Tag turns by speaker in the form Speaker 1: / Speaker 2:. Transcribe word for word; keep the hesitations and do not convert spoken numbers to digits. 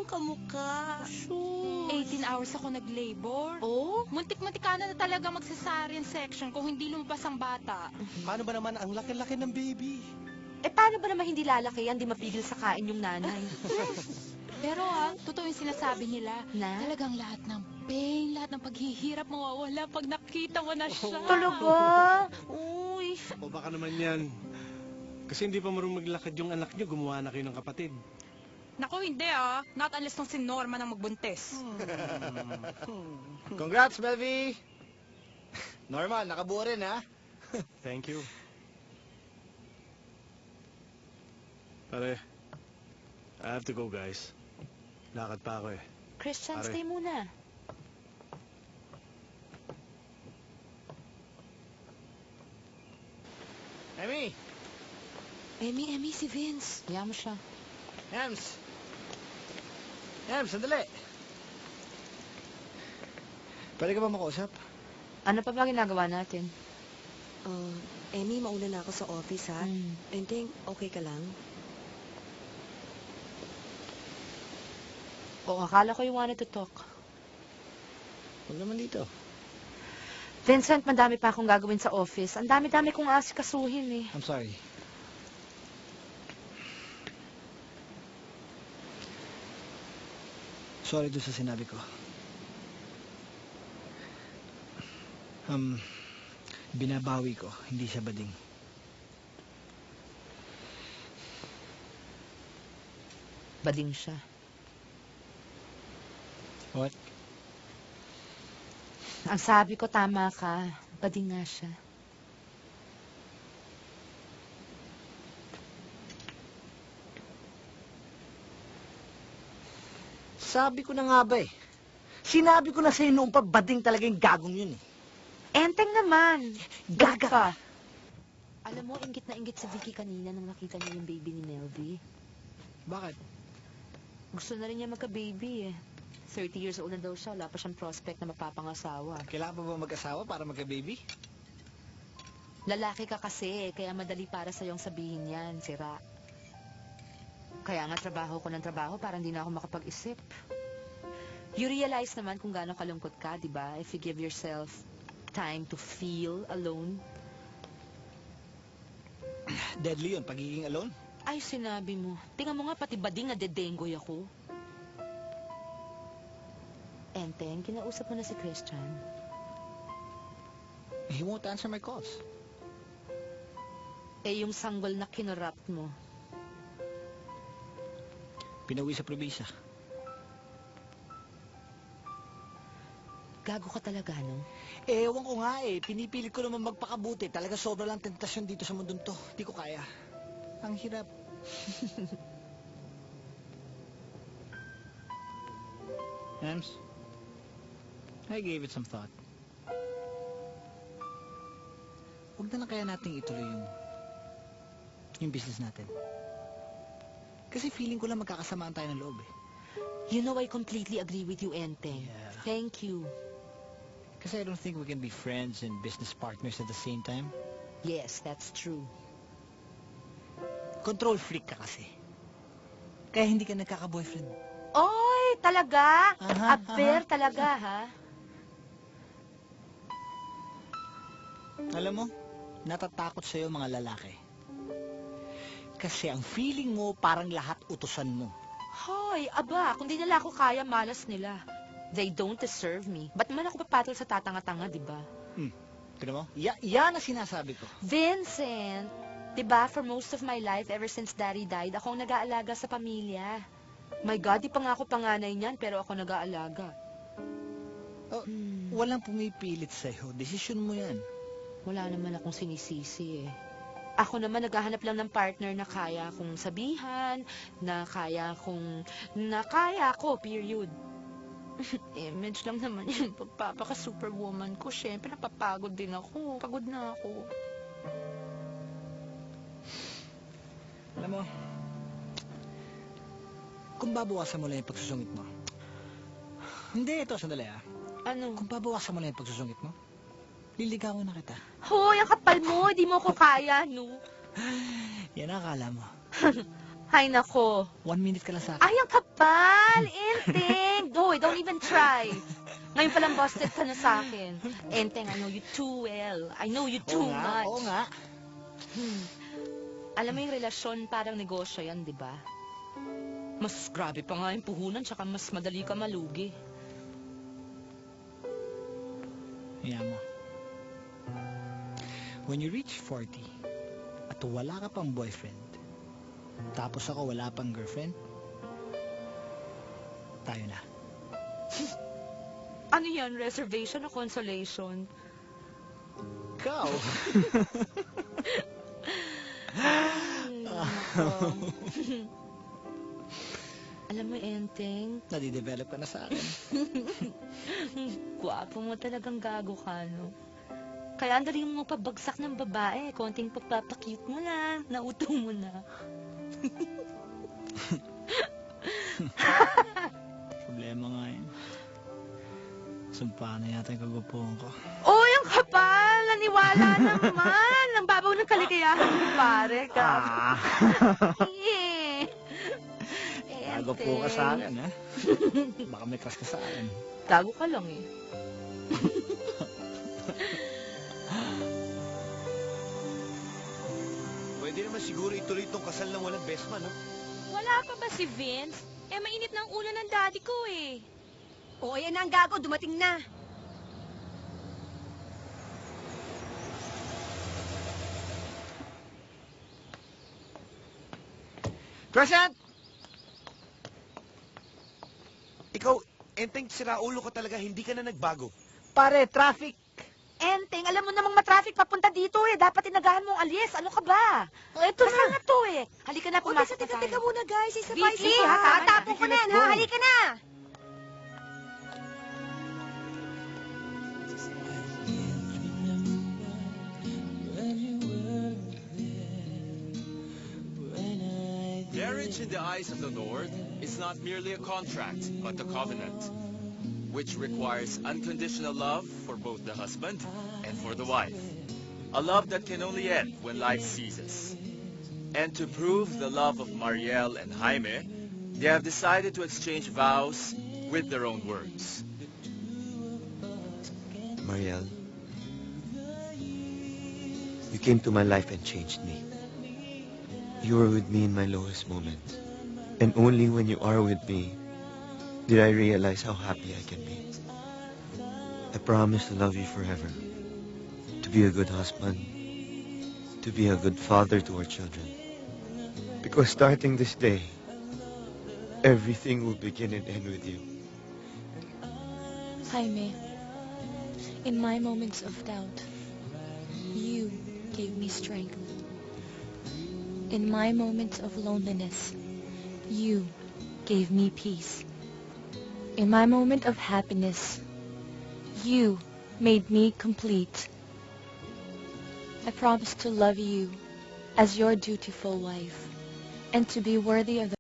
Speaker 1: kamukha.
Speaker 2: Sus.
Speaker 3: eighteen hours ako nag-labor.
Speaker 2: Oh?
Speaker 3: Muntik-muntik ka na talaga mag-cesarean section kung hindi lumabas ang bata.
Speaker 1: Paano ba naman ang laki-laki ng baby?
Speaker 2: Eh, paano ba naman hindi lalaki yan? Di mapigil sa kain yung nanay.
Speaker 3: Pero ah, totoo yung sinasabi nila.
Speaker 2: Na?
Speaker 3: Talagang lahat ng pain, lahat ng paghihirap mawawala pag nakita mo na siya.
Speaker 2: Talaga? Uy.
Speaker 4: O baka naman yan. Kasi hindi pa marunong maglakad yung anak nyo, gumawa na kayo ng kapatid.
Speaker 3: Naku, hindi ah. Not unless nung si Norma nang magbuntis.
Speaker 5: Congrats, Melvie! Normal, nakabuo rin, ha?
Speaker 4: Thank you. Pare, I have to go, guys. Lakad pa ako eh.
Speaker 2: Christian,
Speaker 4: Pare.
Speaker 2: stay muna.
Speaker 5: Emmy!
Speaker 2: Emmy, Emmy, si Vince. Hayaan mo siya.
Speaker 5: Ems! Ems, sandali! Pwede ka ba makausap?
Speaker 2: Ano pa ba ginagawa natin?
Speaker 6: Uh, Emmy, mauna na ako sa office, ha?
Speaker 2: Hmm.
Speaker 6: Enteng, okay ka lang?
Speaker 2: Oo, akala ko you wanted to talk.
Speaker 5: Huwag naman dito.
Speaker 2: Vincent, madami pa akong gagawin sa office. Ang dami-dami kong asikasuhin eh.
Speaker 5: I'm sorry. Sorry doon sa sinabi ko. Um, binabawi ko, hindi siya bading.
Speaker 2: Bading siya.
Speaker 5: What?
Speaker 2: Ang sabi ko, tama ka. Bading nga siya.
Speaker 5: Sabi ko na nga ba eh. Sinabi ko na sa'yo noong pa, bading talaga yung gagong yun eh.
Speaker 2: Enteng naman.
Speaker 5: Gaga ka.
Speaker 2: Alam mo, inggit na inggit si Vicky kanina nung nakita niya yung baby ni Melvie.
Speaker 5: Bakit?
Speaker 2: Gusto na rin niya magka-baby eh. thirty years old na daw siya. Wala pa siyang prospect na mapapangasawa.
Speaker 5: Kailangan pa ba mag-asawa para magka-baby?
Speaker 2: Lalaki ka kasi, kaya madali para sa'yong sabihin yan, sira. Kaya nga trabaho ko ng trabaho para hindi na ako makapag-isip. You realize naman kung gaano kalungkot ka, di ba? If you give yourself time to feel alone.
Speaker 5: Deadly yun, pagiging alone.
Speaker 2: Ay, sinabi mo. Tingnan mo nga, pati bading na dedengoy ako. Enteng, kinausap mo na si Christian.
Speaker 5: He won't answer my calls.
Speaker 2: Eh, yung sanggol na kinurapt mo.
Speaker 5: Pinawi sa probisa.
Speaker 2: Gago ka talaga, no?
Speaker 5: Ewan ko nga eh. Pinipilit ko naman magpakabuti. Talaga sobra lang tentasyon dito sa mundong to. Di ko kaya. Ang hirap. Ems, I gave it some thought. Huwag na lang kaya nating ituloy yung yung business natin. Kasi feeling ko lang magkakasamaan tayo ng loob eh.
Speaker 2: You know, I completely agree with you, Enteng.
Speaker 5: Yeah.
Speaker 2: Thank you.
Speaker 5: Kasi I don't think we can be friends and business partners at the same time.
Speaker 2: Yes, that's true.
Speaker 5: Control freak ka kasi. Kaya hindi ka nagkaka-boyfriend.
Speaker 2: Oy, talaga?
Speaker 5: Aha,
Speaker 2: Aber
Speaker 5: aha.
Speaker 2: talaga, ha?
Speaker 5: Alam mo, natatakot sa'yo mga lalaki. Kasi ang feeling mo parang lahat utusan mo.
Speaker 2: Hoy, aba, kung di nila ako kaya, malas nila. They don't deserve me. Ba't man ako papatol sa tatanga-tanga, di ba?
Speaker 5: Hmm. Tignan mo? Ya yan ang sinasabi ko.
Speaker 2: Vincent, di ba, for most of my life, ever since Daddy died, ako ang nag-aalaga sa pamilya. My God, di pa nga ako panganay niyan, pero ako nag-aalaga.
Speaker 5: Oh,
Speaker 2: Hmm.
Speaker 5: Walang pumipilit sa'yo. Desisyon mo yan.
Speaker 2: Wala naman akong sinisisi eh. Ako naman naghahanap lang ng partner na kaya kong sabihan, na kaya kong, na kaya ko, period. Image lang naman yung pagpapaka-superwoman ko. Siyempre, napapagod din ako. Pagod na ako.
Speaker 5: Alam mo, kung babawasan mo lang yung pagsusungit mo. Hindi, ito, sandali ah.
Speaker 2: Ano?
Speaker 5: Kung babawasan mo lang yung pagsusungit mo, liligawan na kita.
Speaker 2: Hoy, ang kapal mo. Di mo ko kaya, no?
Speaker 5: Yan ang akala mo.
Speaker 2: Ay, nako.
Speaker 5: One minute ka lang sa akin.
Speaker 2: Ay, ang kapal! Enteng! Hoy, don't even try. Ngayon palang busted ka na sa akin. Enteng, I know you too well. I know you too
Speaker 5: Oo nga,
Speaker 2: much.
Speaker 5: oo nga.
Speaker 2: Hmm. Alam mo yung relasyon, parang negosyo yan, di ba? Mas grabe pa nga yung puhunan, tsaka mas madali ka malugi.
Speaker 5: Yan mo. When you reach forty, at wala ka pang boyfriend, tapos ako wala pang girlfriend, tayo na.
Speaker 2: Ano yan? Reservation o consolation?
Speaker 5: Ikaw!
Speaker 2: Nako. Alam mo, Enteng,
Speaker 5: Nadidevelop ka na sa akin.
Speaker 2: gwapo mo talagang gago ka, no? Kaya ang dali mo pabagsak ng babae. Konting pagpapakute mo lang. Nauto mo na.
Speaker 5: Problema nga yun. Sumpa na yata yung kagupuhan ko.
Speaker 2: Uy, ang kapal! Naniwala naman! Ang babaw ng kaligayahan mo, pare. Gago.
Speaker 5: Ah!
Speaker 2: Eh.
Speaker 5: Gago po ka sa akin, ha? Baka may crush ka sa akin.
Speaker 2: Gago ka lang, eh.
Speaker 1: Pwede naman siguro ituloy itong kasal ng walang best man, no?
Speaker 3: Wala pa ba si Vince? Eh, mainit na ang ulo ng daddy ko eh.
Speaker 6: Oo, yan na ang gago. Dumating na.
Speaker 5: Crescent!
Speaker 1: Ikaw, Enteng, siraulo ka talaga. Hindi ka na nagbago.
Speaker 5: Pare, traffic!
Speaker 2: Enteng, alam mo namang matraffic papunta dito, eh. Dapat inagahan mo ang alis. Ano ka ba?
Speaker 5: Oh, ito
Speaker 2: Kasal na to, eh. Halika na,
Speaker 6: O,
Speaker 2: pumasok
Speaker 6: teka,
Speaker 2: na
Speaker 6: teka,
Speaker 2: tayo.
Speaker 6: teka muna, guys. Isa pa,
Speaker 2: Vicky,
Speaker 6: isa
Speaker 2: ha?
Speaker 6: pa. Tatapon ko
Speaker 5: Vicky,
Speaker 6: na,
Speaker 5: let's
Speaker 6: ha?
Speaker 5: go.
Speaker 6: Halika na.
Speaker 7: Marriage in the eyes of the Lord is not merely a contract, but a covenant, which requires unconditional love for both the husband and for the wife. A love that can only end when life ceases. And to prove the love of Mariel and Jaime, they have decided to exchange vows with their own words.
Speaker 8: Mariel, you came to my life and changed me. You were with me in my lowest moments. And only when you are with me did I realize how happy I can be. I promise to love you forever. To be a good husband. To be a good father to our children. Because starting this day, everything will begin and end with you.
Speaker 3: Jaime, in my moments of doubt, you gave me strength. In my moments of loneliness, you gave me peace. In my moment of happiness, you made me complete. I promise to love you as your dutiful wife and to be worthy of the